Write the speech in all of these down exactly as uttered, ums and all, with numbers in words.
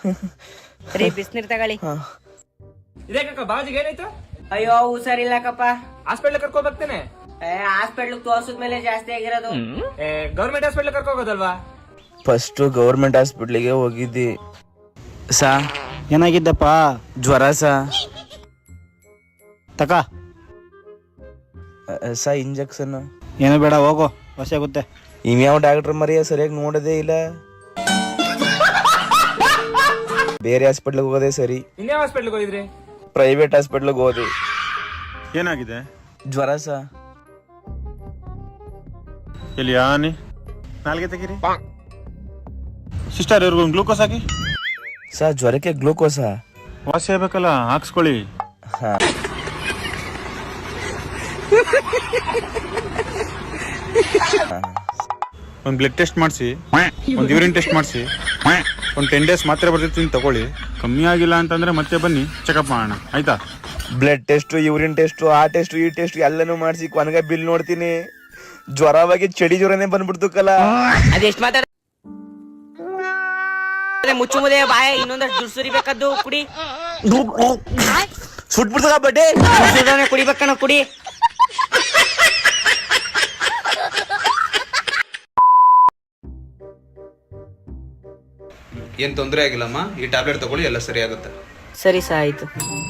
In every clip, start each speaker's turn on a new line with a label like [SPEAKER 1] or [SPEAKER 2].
[SPEAKER 1] ರೀ ಬಿಸ್ನೀರ್ ತಗೊಳ್ಳಿ.
[SPEAKER 2] ಇದೇಕಕ್ಕ ಬಾಜಿಗೆ ಏನಾಯ್ತು?
[SPEAKER 1] ಅಯ್ಯೋ ಹುಷಾರಿಲ್ಲಕ್ಕಪ್ಪ,
[SPEAKER 2] ಹಾಸ್ಪಿಟ್ಲ್ ಕರ್ಕೊ ಬರ್ತೇನೆ.
[SPEAKER 1] ಹಾಸ್ಪಿಟ್ಲ್ ತೋರ್ಸಿದ್ಮೇಲೆ ಜಾಸ್ತಿ ಆಗಿರೋದು.
[SPEAKER 2] ಗೌರ್ಮೆಂಟ್ ಹಾಸ್ಪಿಟ್ಲ್ ಕರ್ಕೊ ಹೋಗೋದಲ್ವಾ?
[SPEAKER 3] ಫಸ್ಟ್ ಗೌರ್ಮೆಂಟ್ ಹಾಸ್ಪಿಟ್ಲಿಗೆ ಹೋಗಿದ್ದಿ ಸಾ.
[SPEAKER 4] ಏನಾಗಿದ್ದಪ್ಪ?
[SPEAKER 3] ಜ್ವರ ಸಾ.
[SPEAKER 4] ತಕ
[SPEAKER 3] ಸಾ ಇಂಜೆಕ್ಷನ್
[SPEAKER 4] ಏನು ಬೇಡ, ಹೋಗು, ಹೊಸ ಆಗುತ್ತೆ.
[SPEAKER 3] ಇನ್ಯಾವ ಡಾಕ್ಟರ್ ಮರಿಯ ಸರಿಯಾಗಿ ನೋಡೋದೇ ಇಲ್ಲ. ಬೇರೆ ಹಾಸ್ಪಿಟ್ಲಿಗೆ ಹೋಗೋದೇ ಸರಿ.
[SPEAKER 2] ಇನ್ಯಾವ ಹಾಸ್ಪಿಟ್ಲ್ಗೆ ಹೋಗಿದ್ರಿ?
[SPEAKER 3] ಪ್ರೈವೇಟ್ ಹಾಸ್ಪಿಟ್ಲಿಗೆ ಹೋದಿ.
[SPEAKER 4] ಏನಾಗಿದೆ?
[SPEAKER 3] ಜ್ವರ ಸಾ.
[SPEAKER 4] ಎಲ್ಲಿ ಆನಿ ನಾಲ್ಗೆ ತೆಗೀರಿ. ಸಿಸ್ಟರ್ ಇವ್ರಿಗೊಂದು ಗ್ಲೂಕೋಸ್ ಹಾಕಿ.
[SPEAKER 3] ಸಾ ಜ್ವರಕ್ಕೆ ಗ್ಲೂಕೋಸಾ?
[SPEAKER 4] ವಾಸಿ ಆಗ್ಬೇಕಲ್ಲ, ಹಾಕ್ಸ್ಕೊಳ್ಳಿ.
[SPEAKER 3] ಹಾ.
[SPEAKER 4] ಒಂದು ಬ್ಲಡ್ ಟೆಸ್ಟ್ ಮಾಡಿಸಿ, ಒಂದು ಯೂರಿನ್ ಟೆಸ್ಟ್ ಮಾಡಿಸಿ, ಒಂದು ಟೆನ್ ಡೇಸ್ ಮಾತ್ರೆ ಬರ್ತಿರ್ತೀನಿ ತಗೊಳ್ಳಿ. ಕಮ್ಮಿ ಆಗಿಲ್ಲ ಅಂತಂದ್ರೆ ಮತ್ತೆ ಬನ್ನಿ ಚೆಕಪ್ ಮಾಡೋಣ, ಆಯ್ತಾ?
[SPEAKER 3] ಬ್ಲಡ್ ಟೆಸ್ಟ್, ಯೂರಿನ್ ಟೆಸ್ಟ್, ಆ ಟೆಸ್ಟ್ ಈ ಟೆಸ್ಟ್ ಎಲ್ಲನೂ ಮಾಡಿಸಿ ಕೊನೆಗೆ ಬಿಲ್ ನೋಡ್ತೀನಿ. ಜ್ವರವಾಗಿ ಚಳಿ ಜ್ವರನೇ ಬಂದ್ಬಿಡ್ತು ಕಲ.
[SPEAKER 1] ಅದೆಷ್ಟು ಮಾತಾಡ ಮುಚ್ಚು ಮುದೆ ಬಾಯ, ಇನ್ನೊಂದಷ್ಟು ದುಡ್ಡು ಸುರಿಬೇಕದ್ದು ಕುಡಿ.
[SPEAKER 3] ಸುಟ್ಬಿಡ್ತದ ಬಡ್ಡೆ
[SPEAKER 1] ಕುಡಿಬೇಕಣ್ಣ, ಕುಡಿ.
[SPEAKER 5] ಏನ್ ತೊಂದರೆ ಆಗಿಲ್ಲಮ್ಮ, ಈ ಟ್ಯಾಬ್ಲೆಟ್ ತಗೊಳ್ಳಿ, ಎಲ್ಲ ಸರಿ ಆಗುತ್ತೆ.
[SPEAKER 1] ಸರಿ ಸಾ, ಆಯ್ತು.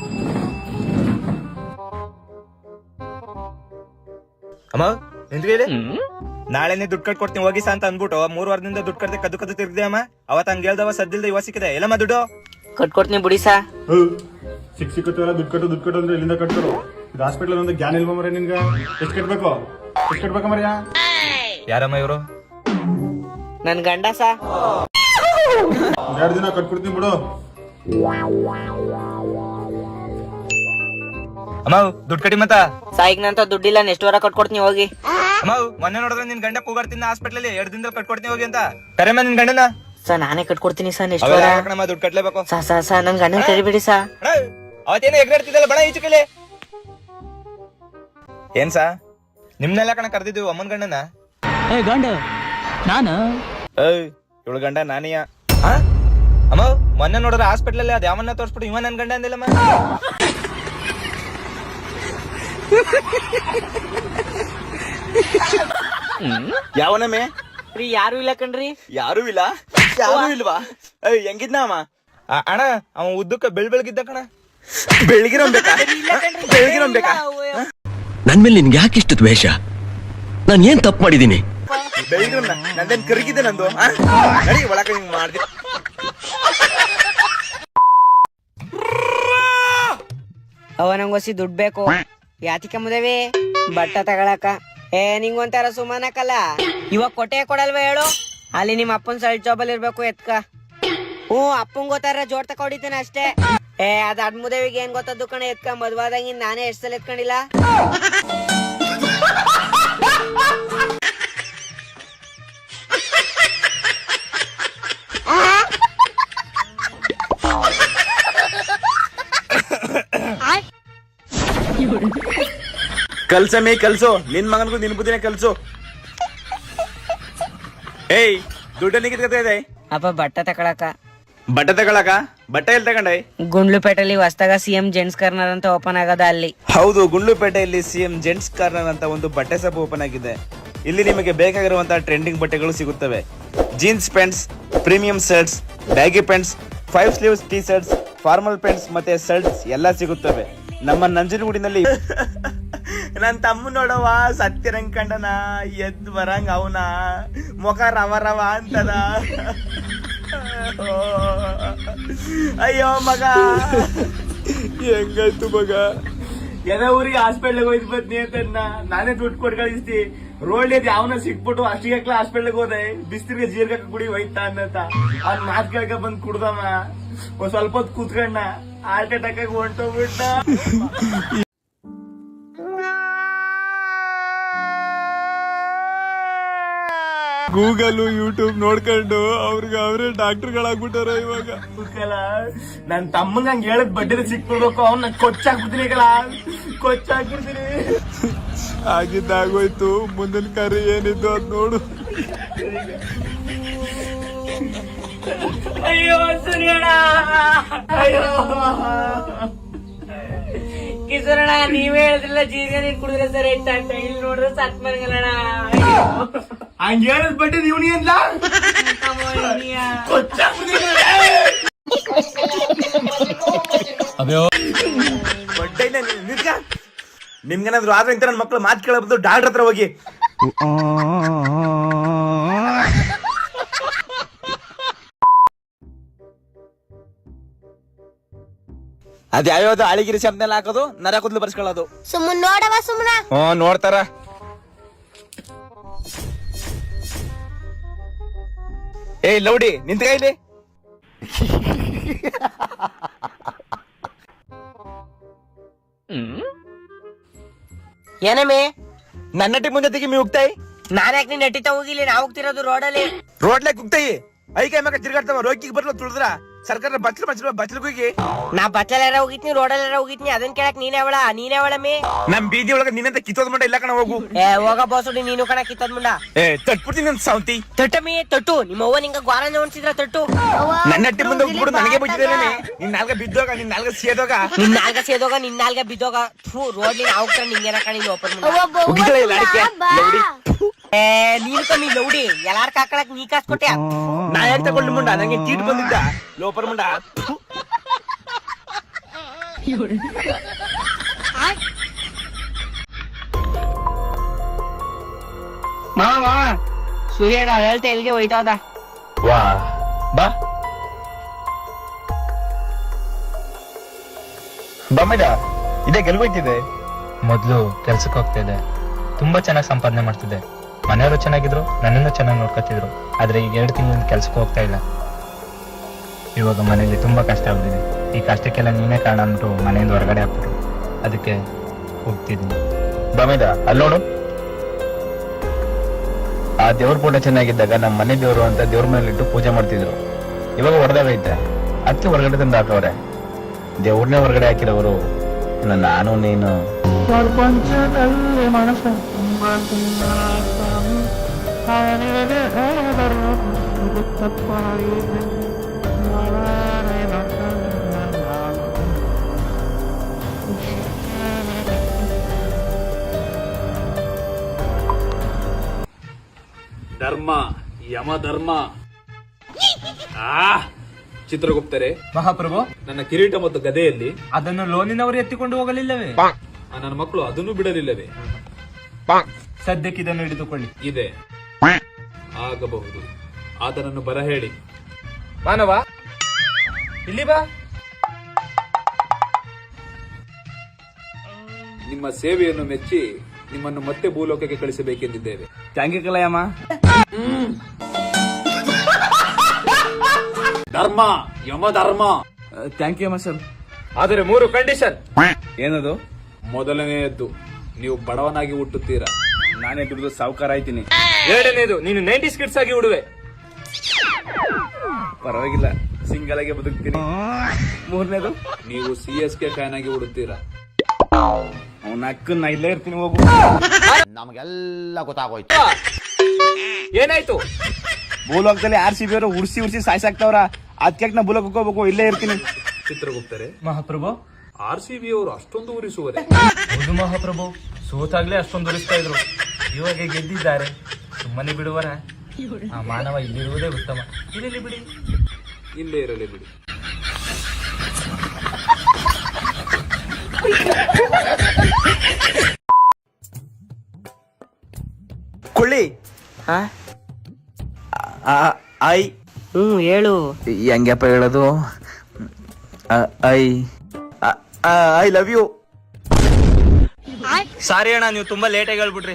[SPEAKER 3] ಅಮ್ಮ ನಿಂತ್ಕೊಳ್ಳಿ. ನಾಳೆನೆ ದುಡ್ಡು ಕಟ್ ಕೊಡ್ತೀನಿ ಹೋಗಿ ಅಂತ ಅಂದ್ಬಿಟ್ಟು ಮೂರ್ ವಾರದಿಂದ ದುಡ್ಡು ಕಟ್ಟದೆ ಕದ್ದು ಕದ್ದು ತಿರ್ಗಿದೆ ಅಮ್ಮ. ಅವತ್ ಹಂಗ ಹೇಳ್ದವ ಸದ್ದಿಲ್ದ ಇವ ಸಿಕ್ಕಿದೆ. ಎಲ್ಲಮ್ಮ ದುಡ್ಡು
[SPEAKER 1] ಕಟ್ಕೊಡ್ತೀನಿ ಬಿಡಿ ಸಾ.
[SPEAKER 4] ಸಿಕ್ ಸಿಕ್ಕತ್ತಲ್ಲ, ದುಡ್ಡು ಕಟ್ಟು ದುಡ್ಡು ಕಟ್ಟು ಅಂದ್ರೆ ಎಲ್ಲಿಂದ ಕಟ್ಕೊಡು? ಇದು ಹಾಸ್ಪಿಟಲ್ ಒಂದು ಜ್ಞಾನ ಇಲ್ವ ಮರ ನಿನ್ಗ? ಎಷ್ಟು ಕಟ್ಬೇಕು? ಎಷ್ಟು ಕಟ್ಬೇಕ ಮರ್ಯ?
[SPEAKER 3] ಯಾರಮ್ಮ ಇವರು?
[SPEAKER 1] ನನ್ ಗಂಡ ಸಾ.
[SPEAKER 4] ಎರಡು ದಿನ ಕಟ್ಕೊಡ್ತೀನಿ ಬಿಡು.
[SPEAKER 3] ಅಮ್ಮ ದುಡ್ಡು ಕಟ್ಟಿ ಮತ್ತ
[SPEAKER 1] ಸಾಯಿಗ್ನಂತ ದುಡ್ಡಿಲ್ಲ, ನೆಕ್ಸ್ಟ್ ವಾರ ಕಟ್ಕೊಡ್ತೀನಿ ಹೋಗಿ.
[SPEAKER 3] ಅಮ್ಮ ಮೊನ್ನೆ ನೋಡಿದ್ರೆ ನಿನ್ ಗಂಡ ಕೂಗಾಡ್ತಿದ್ದ ಹಾಸ್ಪಿಟ್ಲಲ್ಲಿ, ಎರಡು ದಿನದಲ್ಲಿ ಕಟ್ಕೊಡ್ತೀನಿ ಹೋಗಿ ಅಂತ. ಕರೆಮ್ಮ ನಿನ್ ಗಂಡನ?
[SPEAKER 1] ಸಾ ನಾನೇ ಕಟ್ಕೊಡ್ತೀನಿ ಸಾ, ನೆಕ್ಸ್ಟ್ ವಾರ.
[SPEAKER 3] ದುಡ್ಡು ಕಟ್ಲೇಬೇಕು
[SPEAKER 1] ಸಾ ಸಾ ಸಾ ನನ್ ಗಂಡನ ಕರಿಬೇಡಿ ಸಾ.
[SPEAKER 3] ಅವತ್ತೇನೋ ಎಗ್ರಾಡ್ತಿದ್ದಲ್ಲ ಬಣ ಈಚು ಕಲೆ. ಏನ್ ಸಾ ನಿಮ್ನೆಲ್ಲ ಕಣ ಕರ್ದಿದ್ವಿ ಅಮ್ಮನ್ ಗಂಡನ?
[SPEAKER 6] ಗಂಡ ನಾನು
[SPEAKER 3] ಏಯ್ ಇವಳು ಗಂಡ ನಾನಿಯ. ಅಮ್ಮ ಮೊನ್ನೆ ನೋಡಿದ್ರೆ ಹಾಸ್ಪಿಟ್ಲಲ್ಲಿ ಅದ್ ಯಾವನ್ನ ತೋರ್ಸ್ಬಿಟ್ಟು ಇವ ನನ್ ಗಂಡ ಅಂದಿಲ್ಲಮ್ಮ. ಯಾವನಮ್ಮೆ?
[SPEAKER 1] ರೀ ಯಾರು ಇಲ್ಲ ಕಣ್ರಿ.
[SPEAKER 3] ಯಾರು ಇಲ್ಲ? ಯಾರು ಇಲ್ವಾ? ಅಯ್ಯ ಹೆಂಗಿದ್ನ ಅಮ್ಮ? ಅಣ್ಣ ಅವ ಉದ್ದಕ್ಕ ಬೆಳ್ ಬೆಳಗಿದ್ದ ಕಣ. ಬೆಳಗಿರಂಬೇಕಾ? ಬೆಳಗಿರಂಬೇಕಾ?
[SPEAKER 6] ನನ್ ಮೇಲೆ ನಿನ್ಗೆ ಯಾಕೆ ಇಷ್ಟು ದ್ವೇಷ? ನಾನ್ ಏನ್ ತಪ್ಪು ಮಾಡಿದೀನಿ?
[SPEAKER 3] ಬೆಳಗಿರನ್ನ ನಂದೇನ್ ಕರಗಿದ್ದೆ ನಂದು. ನಡಿ ಒಳಕ ಹಿಂಗ್ ಮಾಡ್ದಿ.
[SPEAKER 1] ಅವ ನಂಗೊಸಿ ದುಡ್ಡು ಬೇಕು. ಯಾತಿಕ ಮುದೇವಿ ಬಟ್ಟ ತಗೊಳಕ. ಏ ನಿಂಗೊಂತಾರ ಸುಮಾನಕಲ್ಲ, ಇವಾಗ ಕೊಟ್ಟೆ ಕೊಡಲ್ವ ಹೇಳು? ಅಲ್ಲಿ ನಿಮ್ ಅಪ್ಪನ್ ಸೈಡ್ ಜಾಬ್ ಅಲ್ಲಿ ಇರ್ಬೇಕು ಎತ್ಕ. ಹ್ಞೂ ಅಪ್ಪಂಗ್ ಗೊತ್ತಾರ ಜೋಡ್ ತಕ ಹೊಡಿತೇನೆ ಅಷ್ಟೇ. ಏ ಅದ್ ಅಡ್ ಮುದೇವಿಗೆ ಏನ್ ಗೊತ್ತದ್ದು ಕಣ, ಎತ್ಕ ಮದ್ವಾದಂಗಿ ನಾನೇ ಎಷ್ಟ್ ಸಲ ಎತ್ಕೊಂಡಿಲ್ಲ.
[SPEAKER 3] ಕಲ್ಸಮೇ ಕಲ್ಸು, ನಿನ್ ಮಗನ್ಗೂ ನಿನ್ ಬುದ್ಧಿನೇ ಕಲ್ಸು. ಏಯ್ ದುಡ್ಡನ್ನ ಕಿತ್ಕೊತಾ ಇದೆ.
[SPEAKER 1] ಅಪ್ಪ ಬಟ್ಟ ತಕೊಳಕ.
[SPEAKER 3] ಬಟ್ಟೆ ತಗೊಳಕ? ಬಟ್ಟೆ ಎಲ್ಲಿ ತಗೊಂಡೆ?
[SPEAKER 1] ಗುಂಡ್ಲುಪೇಟೆಲಿ ಹೊಸದಾಗ ಸಿಎಂ ಜೆಂಟ್ಸ್ ಕಾರ್ನರ್ ಅಂತ ಓಪನ್ ಆಗದ ಅಲ್ಲಿ.
[SPEAKER 3] ಹೌದು, ಗುಂಡ್ಲುಪೇಟೆಯಲ್ಲಿ ಸಿಎಂ ಜೆಂಟ್ಸ್ ಕಾರ್ನರ್ ಅಂತ ಒಂದು ಬಟ್ಟೆ ಶಾಪ್ ಓಪನ್ ಆಗಿದೆ. ಇಲ್ಲಿ ನಿಮಗೆ ಬೇಕಾಗಿರುವಂತಹ ಟ್ರೆಂಡಿಂಗ್ ಬಟ್ಟೆಗಳು ಸಿಗುತ್ತವೆ. Jeans pants, premium shirts, baggy pants, five sleeves T shirts, formal pants ಮತ್ತೆ ಶರ್ಟ್ಸ್ ಎಲ್ಲ ಸಿಗುತ್ತವೆ ನಮ್ಮ ನಂಜನಗೂಡಿನಲ್ಲಿ. ನನ್ ತಮ್ಮ ನೋಡವ ಸತ್ಯರಂಗ್ ಕಂಡನ, ಎದ್ ಬರಂಗ ಅವನ ಮುಖ ರವ ರವ ಅಂತದ. ಅಯ್ಯೋ ಮಗ ಹೆಂಗಾಯ್ತು ಮಗ?
[SPEAKER 2] ಎಲ್ಲ ಊರಿಗೆ ಹಾಸ್ಪಿಟ್ಲಿಗೆ ಹೋಯ್ತು ಬದ್ನಿ ಅಂತ ನಾನೇ ದುಡ್ಡು ಕೊಟ್ಟು ಕಳಿಸ್ತಿ. ರೋಡ್ ಯಾವನ ಸಿಕ್ಬಿಟ್ಟು ಅಷ್ಟಿಗೆ ಹಾಸ್ಪಿಟ್ಲಿಗೆ ಹೋದೆ, ಬಿಸ್ತಿರ್ಗೆ ಜೀರ್ಗ ಕುಡಿ ಹೋಯ್ತಾ ಅನ್ನತ. ಅವ್ನ್ ಮಾತ್ ಕೇಳ್ಕ ಬಂದ್ ಕುಡ್ದಮ್ಮ, ಒಂದ್ ಸ್ವಲ್ಪ ಹೊತ್ತು ಕೂತ್ಕೊಂಡ ಹಾರ್ಟ್ ಅಟ್ಯಾಕ್ ಆಗಿ ಹೊಂಟೋಗ್ಬಿಟ್ಟ.
[SPEAKER 4] ಗೂಗಲ್ ಯೂಟ್ಯೂಬ್ ನೋಡ್ಕೊಂಡು ಅವ್ರಿಗೆ ಅವರೇ ಡಾಕ್ಟರ್ಗಳಾಗ್ಬಿಟ್ಟಾರ ಇವಾಗ.
[SPEAKER 2] ನನ್ ತಮ್ಮಂಗ ಹಂಗ ಹೇಳದ್ ಬಡ್ಡಿ ಸಿಕ್ಬಿಡ್ಬೇಕು, ಅವ್ನ ಕೊಚ್ಚಾಕ್ಬಿಡ್ತೀನಿ ಕಲ, ಕೊಚ್ಚಾಕ್ಬಿಡ್ತೀನಿ.
[SPEAKER 4] ಆಗಿದ್ದಾಗೋಯ್ತು, ಮುಂದಿನ ಕಾರ್ಯ ಏನಿದ್ದು ಅದ್ ನೋಡು.
[SPEAKER 1] ಅಯ್ಯೋ ಸರಿಯಣ್ಣ. ಕಿಶೋರಣ್ಣ ನೀವೇ ಹೇಳಿದ್ರಲ್ಲ ಜೀರಿಗೆ ನೀರ್ ಕುಡಿದ್ರೆ ಸರಿ ಆಯ್ತ ಅಂತ ಇಲ್ಲಿ ನೋಡ್ರೆ ಸತ್ ಮರ್ಗಲ್ಲಣ್ಣ.
[SPEAKER 2] ಹಂಗ ಹೇಳದ್ ಬಟ್ಟೆ ಇವನಿ ಅಂತ ಬಟ್ಟೆ ನಿಮ್ಗೇನಾದ್ರು ಆದ್ರೆ ಇಂತ ನನ್ನ ಮಕ್ಳು ಮಾತು ಕೇಳಬಹುದು ಡಾಕ್ಟರ್ ಹತ್ರ ಹೋಗಿ. ಅದ್ ಯಾವ್ಯಾವ್ದು ಅಳಿಗಿರಿ ಶಬ್ದನೆಲ್ಲ ಹಾಕೋದು ನರ ಕೂದಲು ಬರ್ಸ್ಕೊಳ್ಳೋದು.
[SPEAKER 7] ಸುಮ್ಮನ್ ನೋಡವ ಸುಮ್ಮನ.
[SPEAKER 2] ಹ್ಮ್ ನೋಡ್ತಾರ. ಏಯ್ ಲೌಡಿ ನಿಂತ ಇಲ್ಲಿ.
[SPEAKER 1] ಏನಮ್ಮೆ
[SPEAKER 2] ನನ್ನ ಟೀಮ್ ಮುಂದೆ ತೆಗಿ ಮೀ ಹೋಗ್ತಾಯಿ.
[SPEAKER 1] ನಾನ್ ಯಾಕೆ ನೀನ್ ನಟಿತಾ ಹೋಗಿಲ್ಲ, ನಾ ಹೋಗ್ತಿರೋದು ರೋಡಲ್ಲಿ.
[SPEAKER 2] ರೋಡ್ಲೆ ಕುಗ್ತಾಯಿ ಐಕೈ ಮಕ್ಕ ತಿರ್ಗಾಡ್ತಾವ ರೋಗಿಗೆ ಬರ್ಲ ತುಳಿದ್ರ ಸರ್ಕಾರ ಬಚ್ಚಲು ಬಚ್ಚಲು ಬಚ್ಚಲು ಹೋಗಿ.
[SPEAKER 1] ನಾ ಬಟ್ಲೆಲ್ಲ ಹೋಗಿದ್ನಿ ರೋಡಲ್ಲಾರ ಹೋಗಿದ್ನಿ, ಅದನ್ ಕೇಳಕ್ ನೀನೇ ಅವಳ ನೀನೇ ಅವಳಮ್ಮೆ.
[SPEAKER 2] ನಮ್ ಬೀದಿ ಒಳಗ ನಿನ್ನಂತ ಕಿತ್ತೋದ್ ಮುಂಡ ಇಲ್ಲ ಕಣ ಹೋಗು.
[SPEAKER 1] ಏ ಹೋಗ ಬೋಸುಡಿ ನೀನು ಕಣ ಕಿತ್ತದ್ ಮುಂಡ.
[SPEAKER 2] ಏ ತಟ್ಬಿಡ್ತೀನಿ ನನ್ ಸಾವಂತಿ.
[SPEAKER 1] ತಟ್ಟಮ್ಮಿ ತಟ್ಟು, ನಿಮ್ಮ ಅವ್ವ ನಿಂಗ ಗ್ವಾರ ಉಣ್ಸಿದ್ರ ತಟ್ಟು.
[SPEAKER 2] ನನ್ನ ಟೀಮ್ ಮುಂದೆ ಹೋಗ್ಬಿಡು ನನಗೆ ಬುದ್ಧಿದ್ದೇನೆ. ನಿನ್ ನಾಲ್ಗ ಬಿದ್ದೋಗ ನಿನ್ ನಾಲ್ಗ ಸೇದೋಗ
[SPEAKER 1] ನಿನ್ ನಾಲ್ಗ ಸೇದೋಗ ನಿನ್ ನಾಲ್ಗ ಬಿದ್ದೋಗ. ಥೂ ರೋಡ್ಲಿ ನಾವು ಹೋಗ್ತಾರ ನಿಂಗೇನ ಕಣ ಇಲ್ಲಿ ಓಪನ್ ಮುಂಡ.
[SPEAKER 2] ಉಗಿಗಳೇ ಲಾಡಿಕೆ ಲೌಡಿ.
[SPEAKER 1] ಏ ನೀನು ಕಮ್ಮಿ ಲೌಡಿ ಎಲ್ಲಾರ್ ಕಾಕಳಕ್ ನೀ ಕಾಸ್ ಕೊಟ್ಟೆ.
[SPEAKER 2] ನಾ ಏನ್ ತಗೊಂಡು ಮುಂಡ ನಂಗೆ ಚೀಟ್ ಬಂದಿದ್ದ ಲೋಪರ್ ಮುಂಡ.
[SPEAKER 1] ಮಾವ ಸೂರ್ಯ ಹೇಳ್ತಾ ಎಲ್ಲಿಗೆ ಹೋಯ್ತಾದ.
[SPEAKER 8] ವಾ ಬಾ ಬಮ್ಮಿದ ಇದೇ ಗೆಲ್ಬೋಯ್ತಿದೆ. ಮೊದ್ಲು ಕೆಲ್ಸಕ್ಕೆ ಹೋಗ್ತಿದ್ದೆ, ತುಂಬಾ ಚೆನ್ನಾಗಿ ಸಂಪಾದನೆ ಮಾಡ್ತಿದ್ದೆ, ಮನೆಯವರು ಚೆನ್ನಾಗಿದ್ರು, ನನ್ನನ್ನು ಚೆನ್ನಾಗಿ ನೋಡ್ಕೊತಿದ್ರು. ಆದ್ರೆ ಈಗ ಎರಡು ತಿಂಗಳಿಂದ ಕೆಲ್ಸಕ್ಕೆ ಹೋಗ್ತಾ ಇಲ್ಲ. ಇವಾಗ ಮನೇಲಿ ತುಂಬಾ ಕಷ್ಟ ಆಗ್ಬಿಟ್ಟಿದೆ. ಈ ಕಷ್ಟಕ್ಕೆಲ್ಲ ನೀನೇ ಕಾರಣ ಅಂದ್ಬಿಟ್ಟು ಮನೆಯಿಂದ ಹೊರಗಡೆ ಹಾಕ್ಬಿಟ್ರು. ಅದಕ್ಕೆ ಹೋಗ್ತಿದ್ದೀನಿ. ಬಮ್ಮಿದ ಅಲ್ಲಿ ನೋಡು, ಆ ದೇವ್ರ ಫೋಟೋ ಚೆನ್ನಾಗಿದ್ದಾಗ ನಮ್ಮ ಮನೆ ದೇವ್ರು ಅಂತ ದೇವ್ರ ಮನೇಲಿಟ್ಟು ಪೂಜೆ ಮಾಡ್ತಿದ್ರು. ಇವಾಗ ಹೊಡೆದಾಗೈತೆ, ಅದಕ್ಕೆ ಹೊರಗಡೆ ತಂದು ಹಾಕವ್ರೆ. ದೇವ್ರನ್ನೇ ಹೊರಗಡೆ ಹಾಕಿರೋರು ನಾನು ನೀನು.
[SPEAKER 9] ಧರ್ಮ ಯಮ ಧರ್ಮ. ಆ ಚಿತ್ರಗುಪ್ತರೆ
[SPEAKER 8] ಮಹಾಪ್ರಭು,
[SPEAKER 9] ನನ್ನ ಕಿರೀಟ ಮತ್ತು ಗದೆಯಲ್ಲಿ
[SPEAKER 8] ಅದನ್ನು ಲೋನಿನವರು ಎತ್ತಿಕೊಂಡು ಹೋಗಲಿಲ್ಲವೇ?
[SPEAKER 9] ಆ ನನ್ನ ಮಕ್ಕಳು ಅದನ್ನು ಬಿಡಲಿಲ್ಲವೇ?
[SPEAKER 8] ಸದ್ಯಕ್ಕೆ ಇದನ್ನು ಹಿಡಿದುಕೊಳ್ಳಿ.
[SPEAKER 9] ಇದೆ ಆಗಬಹುದು. ಆತನನ್ನು ಬರ ಹೇಳಿ.
[SPEAKER 8] ಮಾನವ ಇಲ್ಲಿ ಬಾ.
[SPEAKER 9] ನಿಮ್ಮ ಸೇವೆಯನ್ನು ಮೆಚ್ಚಿ ನಿಮ್ಮನ್ನು ಮತ್ತೆ ಭೂಲೋಕಕ್ಕೆ ಕಳಿಸಬೇಕೆಂದಿದ್ದೇವೆ.
[SPEAKER 2] Thank you ಕಲಯಮ್ಮ.
[SPEAKER 9] ಧರ್ಮ ಯಮ ಧರ್ಮ.
[SPEAKER 2] ಥ್ಯಾಂಕ್ ಯು ಅಮ್ಮ ಸರ್.
[SPEAKER 8] ಆದರೆ ಮೂರು ಕಂಡೀಷನ್.
[SPEAKER 2] ಏನದು?
[SPEAKER 9] ಮೊದಲನೆಯದ್ದು, ನೀವು ಬಡವನಾಗಿ ಹುಟ್ಟುತ್ತೀರಾ.
[SPEAKER 2] ನಾನೇ ದುಡಿದು ಸಾವುಕಾರ ಆಯ್ತೀನಿ.
[SPEAKER 8] ಎರಡನೇದು, ನೀನು ನೈಂಟಿ ಸ್ಕಿಟ್ಸ್ ಆಗಿ ಉಡುವೆ.
[SPEAKER 2] ಪರವಾಗಿಲ್ಲ, ಸಿಂಗಲ್ ಆಗಿ ಬದುಕ್ತೀನಿ. ಮೂರನೇದು,
[SPEAKER 9] ನೀವು ಸಿ ಎಸ್ ಕೆ ಫ್ಯಾನ್ ಆಗಿ ಹುಡುತ್ತೀರಾ.
[SPEAKER 2] ಅವ್ನ ಅಕ್ಕ ನಾ ಇಲ್ಲೇ ಇರ್ತೀನಿ ಹೋಗು.
[SPEAKER 10] ನಮಗೆಲ್ಲ ಗೊತ್ತಾಗೋಯ್ತು.
[SPEAKER 8] ಏನಾಯ್ತು?
[SPEAKER 2] ಭೂಲೋಕದಲ್ಲಿ ಆರ್ ಸಿ ಬಿ ಅವರು ಉರ್ಸಿ ಉರ್ಸಿ ಸಾಯ್ಸಾಕ್ತವ್ರ. ಅದಕ್ಕೆ ನಾ ಭೂಲೋಕ ಹೋಗ್ಬೇಕು, ಇಲ್ಲೇ ಇರ್ತೀನಿ.
[SPEAKER 9] ಚಿತ್ರಗುಪ್ತರೆ,
[SPEAKER 8] ಮಹಾಪ್ರಭು,
[SPEAKER 9] ಆರ್ ಸಿ ಬಿ ಅವರು ಅಷ್ಟೊಂದು ಉರಿಸುವರೆ?
[SPEAKER 8] ಹೌದು ಮಹಾಪ್ರಭು, ಸೋತಾಗ್ಲೇ ಅಷ್ಟೊಂದು ಉರಿಸ್ತಾ ಇದ್ರು. ಇವಾಗ ಗೆದ್ದಿದ್ದಾರೆ, ಸುಮ್ಮನೆ ಬಿಡುವರ? ಆ ಮಾನವ ಇಲ್ಲಿರುವುದೇ ಉತ್ತಮ. ಇರಲಿ ಬಿಡಿ.
[SPEAKER 9] ಇಲ್ಲೇ ಇರಲಿ ಬಿಡಿ.
[SPEAKER 2] ಕೊಳ್ಳಿ ಐ
[SPEAKER 1] ಹ್ಮ್ ಹೇಳು.
[SPEAKER 2] ಹೆಂಗಪ್ಪ ಹೇಳೋದು? I I love you.
[SPEAKER 8] Sorry ಅಣ್ಣ, ನೀವು ತುಂಬಾ ಲೇಟ್ ಆಗಿ ಹೇಳ್ಬಿಟ್ರಿ.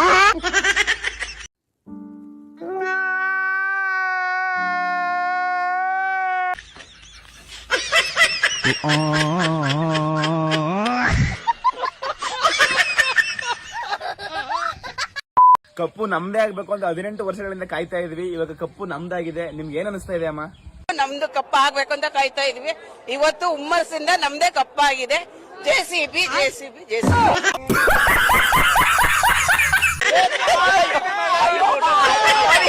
[SPEAKER 2] ಕಪ್ಪು ನಮ್ದೇ ಆಗ್ಬೇಕು ಅಂತ ಹದಿನೆಂಟು ವರ್ಷಗಳಿಂದ ಕಾಯ್ತಾ ಇದ್ವಿ. ಇವಾಗ ಕಪ್ಪು ನಮ್ದಾಗಿದೆ. ನಿಮ್ಗೆ ಏನ್ ಅನಿಸ್ತಾ ಇದೆ ಅಮ್ಮ?
[SPEAKER 11] ನಮ್ದು ಕಪ್ಪ ಆಗ್ಬೇಕು ಅಂತ ಕಾಯ್ತಾ ಇದ್ವಿ. ಇವತ್ತು ಹುಮ್ಮಸ್ಸಿಂದ ನಮ್ದೇ ಕಪ್ಪ ಆಗಿದೆ. J C B J C B J C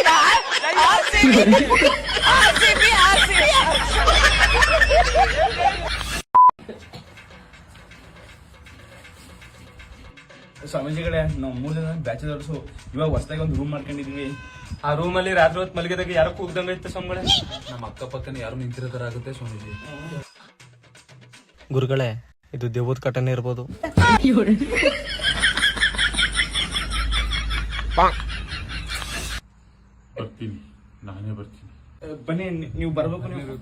[SPEAKER 11] B R C B R C B
[SPEAKER 2] ಸ್ವಾಮೀಜಿಗಳೇ ನಾವು ಮೂರು ಜನ ಬ್ಯಾಚಲರ್ಸು ಇವಾಗ ಹೊಸದಾಗಿ ಒಂದು ರೂಮ್ ಮಾಡ್ಕೊಂಡಿದೀವಿ.
[SPEAKER 9] ಆ ರೂಮಲ್ಲಿ ರಾತ್ರಿ ಹೊತ್ತು ಮಲಗಿದಾಗ ಯಾರೋ ಕೂಗ್ದಂಗ ಐತೆ ಸ್ವಾಮಿಗಳೇ. ನಮ್ಮ ಅಕ್ಕಪಕ್ಕನ ಯಾರು ನಿಂತಿರೋ ತರ ಆಗುತ್ತೆ ಸ್ವಾಮೀಜಿ.
[SPEAKER 8] ಗುರುಗಳೇ, ಇದು ದೇವದ ಕಟನೆ ಇರ್ಬೋದು.
[SPEAKER 4] ಬರ್ತೀನಿ, ನಾನೇ ಬರ್ತೀನಿ.
[SPEAKER 2] ಬನ್ನಿ, ನೀವು ಬರ್ಬೇಕು. ನೀವು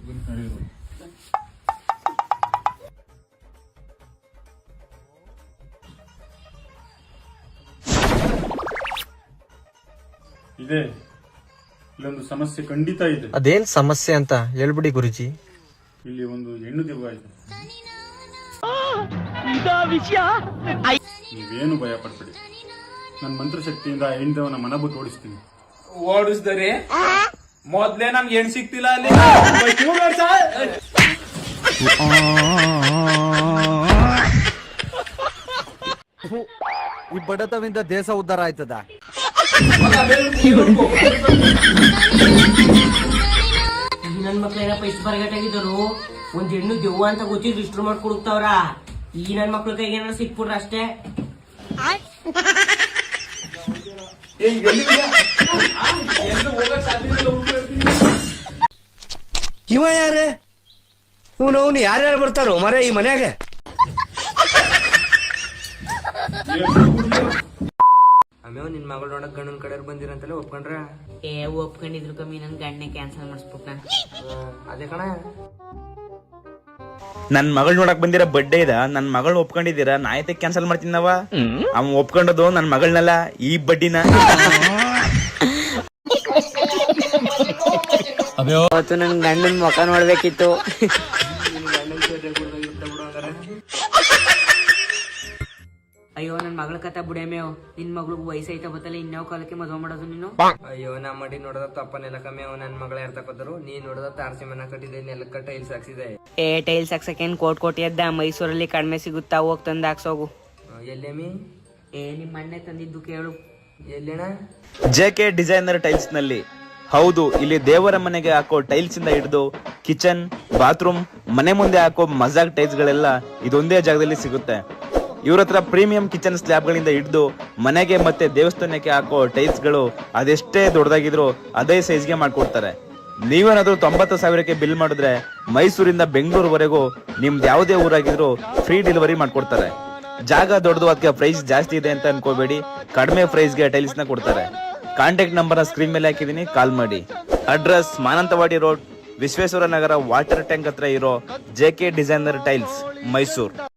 [SPEAKER 4] ಇದೆ, ಇಲ್ಲೊಂದು ಸಮಸ್ಯೆ ಖಂಡಿತ ಇದೆ.
[SPEAKER 8] ಅದೇನ್ ಸಮಸ್ಯೆ ಅಂತ ಹೇಳ್ಬಿಡಿ ಗುರುಜಿ.
[SPEAKER 4] ಇಲ್ಲಿ ಒಂದು ಹೆಣ್ಣು ದೆವ್ವ ಇದೆ. ನೀವೇನು ಭಯ ಪಡ್ಬೇಡಿ, ನನ್ನ ಮಂತ್ರಶಕ್ತಿಯಿಂದ ಹೆಣ್ಣು ದೆವ್ವನ ಮನ ಬಿಟ್ಟು ಓಡಿಸ್ತೀನಿ.
[SPEAKER 9] ಓಡಿಸ್ದರೆ ಮೊದ್ಲೇ ನಮ್ಗೆ ಹೆಣ್ ಸಿಕ್ತಿಲ್ಲ ಅಲ್ಲಿ.
[SPEAKER 10] ಈ ಬಡತವಿಂದ ದೇಶ ಉದ್ಧಾರ ಆಯ್ತದ.
[SPEAKER 1] ನನ್ ಮಕ್ಳೆಲ್ಲ ಪೈಸೆ ಬರಗಟ್ಟಾಗಿದ್ದರು. ಒಂದ್ ಹೆಣ್ಣು ದೆವ್ವ ಅಂತ ಗೊತ್ತಿದ್ರು ಇಷ್ಟ್ರು ಮಾಡ್ಕೊಡುತ್ತವ್ರ. ಈ ನನ್ ಮಕ್ಳ ಕೈಗೆ ಏನಾದ್ರು ಸಿಕ್ಬಿಟ್ರ ಅಷ್ಟೇ.
[SPEAKER 10] ಇವ ಯಾರೇ ಇವನು ಅವನು ಯಾರ್ಯಾರು ಬರ್ತಾರೋ ಮರ ಈ ಮನ್ಯಾಗ?
[SPEAKER 1] ಆಮೇಲೆ ನಿನ್ ಮಗಳು ನೋಡಕ್ ಗಂಡನ ಕಡೆ ಬಂದಿರಂತಲ್ಲ ಒಪ್ಕೊಂಡ್ರ? ಏ ಒಪ್ಕೊಂಡಿದ್ರು ಕಮ್ಮಿ, ನನ್ ಗಂಡನೆ ಕ್ಯಾನ್ಸಲ್ ಮಾಡಿಸ್ಬಿಟ್ನ. ಅದೇ ಕಣ,
[SPEAKER 3] ನನ್ ಮಗಳ್ ನೋಡಕ್ ಬಂದಿರೋ ಬಡ್ಡೆ ಇದ, ನನ್ ಮಗಳ್ ಒಪ್ಕೊಂಡಿದ್ದೀರಾ, ನಾ ಆಯ್ತು ಕ್ಯಾನ್ಸಲ್ ಮಾಡ್ತೀನವ. ಅವ್ ಒಪ್ಕೊಂಡದು ನನ್ ಮಗಳನ್ನಲ್ಲ, ಈ ಬಡ್ಡಿನ.
[SPEAKER 1] ಅವತ್ತು ನನ್ ಗಂಡನ್ ಮುಖ ನೋಡ್ಬೇಕಿತ್ತು. ಅಯ್ಯೋ ನನ್ ಮಗಳ ಕಥ ಬುಡೇಮೇವ್. ನಿನ್ ಮಗಳಿಗೆ ವಯಸ್ಸೈತ ಬತ್ತಲ್ಲ, ಇನ್ಯಾವ ಕಾಲಕ್ಕೆ ಮದ್ವೆ ಮಾಡೋದು ನೀನು? ಅಯ್ಯೋ ನಾ ಮಾಡಿ ನೋಡದ ತಪ್ಪನೆಲ್ಲ ಕಮ್ಮಿ. ಅವ್ ನನ್ ಮಗಳ ಯಾರ ತಕೋದ್ರು? ನೀ ನೋಡದ ತಾರಸಿ ಮನ ಕಟ್ಟಿದೆ, ನೆಲಕ್ಕ ಟೈಲ್ಸ್ ಹಾಕ್ಸಿದೆ. ಏ ಟೈಲ್ಸ್ ಹಾಕ್ಸಕೇನ್ ಕೋಟ್ ಕೋಟಿ ಎದ್ದ? ಮೈಸೂರಲ್ಲಿ ಕಡಿಮೆ ಸಿಗುತ್ತಾ, ಹೋಗ್ ತಂದ್ ಹಾಕ್ಸೋಗು. ಎಲ್ಲೇಮಿ? ಏ ನಿಮ್ ಅಣ್ಣೆ ತಂದಿದ್ದು ಕೇಳು. ಎಲ್ಲೇಣ?
[SPEAKER 3] ಜೆ ಕೆ ಡಿಸೈನರ್ ಟೈಲ್ಸ್ ನಲ್ಲಿ. ಹೌದು, ಇಲ್ಲಿ ದೇವರ ಮನೆಗೆ ಹಾಕೋ ಟೈಲ್ಸ್ ಇಂದ ಹಿಡಿದು ಕಿಚನ್, ಬಾತ್ರೂಮ್, ಮನೆ ಮುಂದೆ ಹಾಕೋ ಮಜಾಕ್ ಟೈಲ್ಸ್ ಗಳೆಲ್ಲ ಇದೊಂದೇ ಜಾಗದಲ್ಲಿ ಸಿಗುತ್ತೆ. ಇವ್ರ ಹತ್ರ ಪ್ರೀಮಿಯಂ ಕಿಚನ್ ಸ್ಲ್ಯಾಬ್ ಗಳಿಂದ ಹಿಡಿದು ಮನೆಗೆ ಮತ್ತೆ ದೇವಸ್ಥಾನಕ್ಕೆ ಹಾಕೋ ಟೈಲ್ಸ್ ಗಳು ಅದೆಷ್ಟೇ ದೊಡ್ಡದಾಗಿದ್ರು ಅದೇ ಸೈಜ್ಗೆ ಮಾಡ್ಕೊಡ್ತಾರೆ. ನೀವೇನಾದ್ರೂ ತೊಂಬತ್ತು ಸಾವಿರಕ್ಕೆ ಬಿಲ್ ಮಾಡಿದ್ರೆ ಮೈಸೂರಿಂದ ಬೆಂಗಳೂರುವರೆಗೂ ನಿಮ್ದು ಯಾವುದೇ ಊರಾಗಿದ್ರು ಫ್ರೀ ಡೆಲಿವರಿ ಮಾಡ್ಕೊಡ್ತಾರೆ. ಜಾಗ ದೊಡ್ಡದು, ಅದಕ್ಕೆ ಪ್ರೈಸ್ ಜಾಸ್ತಿ ಇದೆ ಅಂತ ಅನ್ಕೋಬೇಡಿ. ಕಡಿಮೆ ಪ್ರೈಸ್ಗೆ ಟೈಲ್ಸ್ ನ ಕೊಡ್ತಾರೆ. ಕಾಂಟ್ಯಾಕ್ಟ್ ನಂಬರ್ ಸ್ಕ್ರೀನ್ ಮೇಲೆ ಹಾಕಿದೀನಿ, ಕಾಲ್ ಮಾಡಿ. Address Mananthavadi road, Vishweshwara Nagar water tank ಹತ್ರ ಇರೋ J K designer tiles, Mysuru.